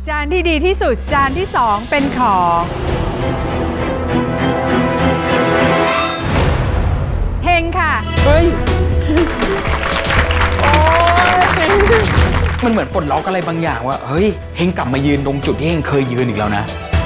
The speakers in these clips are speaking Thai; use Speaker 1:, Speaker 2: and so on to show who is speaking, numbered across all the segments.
Speaker 1: จานที่ดีที่สุดจานที่2เป็นของเฮงค่ะ
Speaker 2: เฮ้ยมันเหมือนปลดล็อกอะไรบางอย่างว่าเฮ้ยเฮงกลับมายืนตรงจุดที่เฮงเคยยืนอีกแล้ว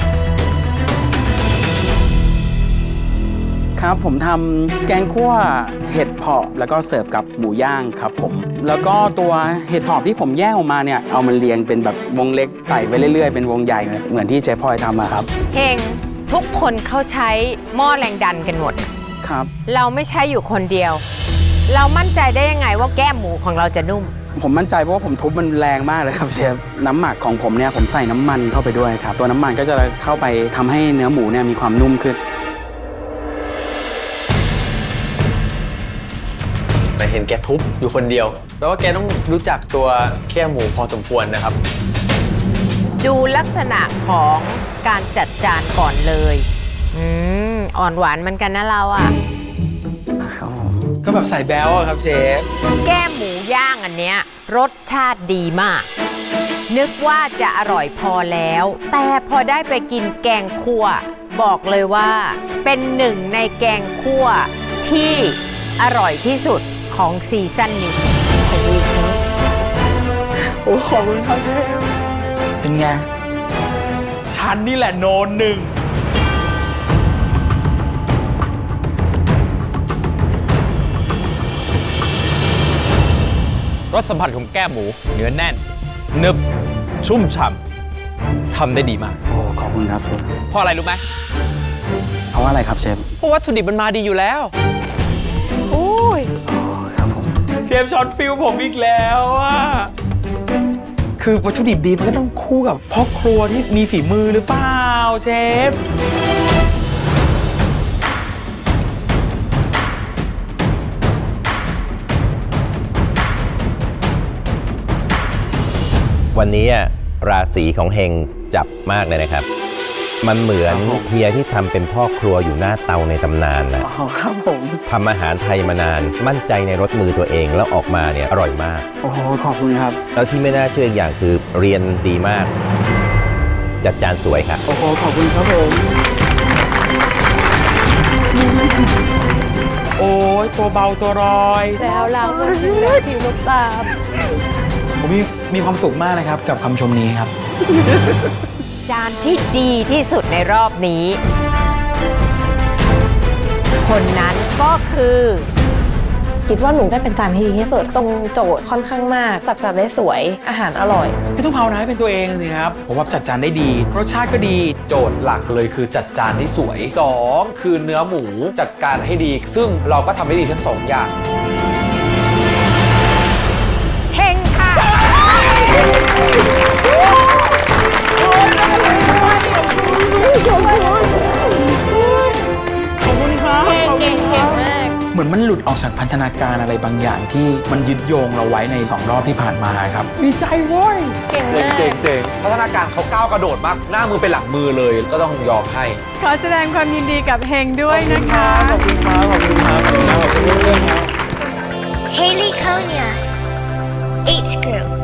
Speaker 2: นะครับผมทำแกงคั่วเห็ดเผาะแล้วก็เสิร์ฟกับหมูย่างครับผมแล้วก็ตัวเห็ดเผาะที่ผมแยกออกมาเนี่ยเอามันเรียงเป็นแบบวงเล็กไต่ไปเรื่อยๆเป็นวงใหญ่เหมือนที่เชฟพลอยทำอะครับ
Speaker 3: เฮงทุกคนเขาใช้หม้อแรงดันกันหมด
Speaker 2: ครับ
Speaker 3: เราไม่ใช้อยู่คนเดียว เรามั่นใจได้ยังไงว่าแก้มหมูของเราจะนุ่ม
Speaker 2: ผมมั่นใจเพราะว่าผมทุบมันแรงมากเลยครับเชฟน้ำหมักของผมเนี่ยผมใส่น้ำมันเข้าไปด้วยครับตัวน้ำมันก็จะเข้าไปทำให้เนื้อหมูเนี่ยมีความนุ่มขึ้น
Speaker 4: แต่เห็นแกทุบอยู่คนเดียวแปลว่าแกต้องรู้จักตัวแค่หมูพอสมควรนะครับ
Speaker 3: ดูลักษณะของการจัดจานก่อนเลยอ่อนหวานเหมือนกันนะเราอ่ะ
Speaker 2: ก็แบบใส่แบ๊วอะครับเชฟ
Speaker 3: แก้มหมูย่างอันเนี้ยรสชาติดีมากนึกว่าจะอร่อยพอแล้วแต่พอได้ไปกินแกงคั่วบอกเลยว่าเป็นหนึ่งในแกงคั่วที่อร่อยที่สุดของซีซั่นนี้
Speaker 2: โอ้ขอบคุณครับเชฟเป็นไงฉันนี่แหละโนนหนึ่ง
Speaker 5: รสสัมผัสของแก้มหมูเนื้อแน่นนึบชุ่มฉ่ำทำได้ดีมาก
Speaker 2: โอ้ขอบคุณครับเชฟ
Speaker 5: เพราะอะไรรู้ไหม
Speaker 2: เพราะอะไรครับเชฟ
Speaker 5: เพราะวัตถุดิบมันมาดีอยู่แล้ว
Speaker 2: ครับผมเชฟช็อตฟิลผมอีกแล้วอ่ะคือวัตถุดิบดีมันก็ต้องคู่กับพ่อครัวที่มีฝีมือหรือเปล่าเชฟ
Speaker 6: วันนี้ราศีของเฮงจับมากเลยนะครับมันเหมือนเฮียที่ทำเป็นพ่อครัวอยู่หน้าเตาในตำนานนะ
Speaker 2: ครับผม
Speaker 6: ทำอาหารไทยมานานมั่นใจในรสมือตัวเองแล้วออกมาเนี่ยอร่อยมาก
Speaker 2: โอ้โหขอบคุณครับ
Speaker 6: แล้วที่ไม่น่าเชื่ออีกอย่างคือเรียนดีมากจัดจานสวยครับ
Speaker 2: โอ้โหขอบคุณครับผมโอ้ยตัวเบาตัวรอย
Speaker 3: แล้วเราก็กินแบบผิวลูกตา
Speaker 2: ผมมีความสุขมากนะครับกับคำชมนี้ครับ
Speaker 3: จานที่ดีที่สุดในรอบนี้คนนั้นก็คือ
Speaker 7: คิดว่าหนูได้เป็นจานที่ดีที่สุดตรงโจทย์ค่อนข้างมากจัดจานได้สวยอาหารอร่อย
Speaker 2: พี่ต้องภาวนาให้เป็นตัวเองสิครับผมว่าจัดจานได้ดีรสชาติก็ดี
Speaker 4: โจทย์หลักเลยคือจัดจานให้สวย2คือเนื้อหมูจัดการให้ดีซึ่งเราก็ทำได้ดีทั้ง2อย่าง
Speaker 3: เฮงค่ะ
Speaker 2: ขอบคุณครับ
Speaker 3: เก่งมาก
Speaker 2: เหมือนมันหลุดออกจากพันธนาการอะไรบางอย่างที่มันยึดโยงเราไว้ใน2รอบที่ผ่านมาครับดีใจโว้ย
Speaker 3: เก่งมาก
Speaker 4: เจ๋งพัฒนาการเขาก้าวกระโดดมากหน้ามือเป็นหลังมือเลยก็ต้องยอมให้
Speaker 1: ขอแสดงความยินดีกับเฮงด้วยนะคะ
Speaker 2: ขอบคุณครับขอบคุณครับขอบคุณครับ
Speaker 8: Haley Konya, H Group.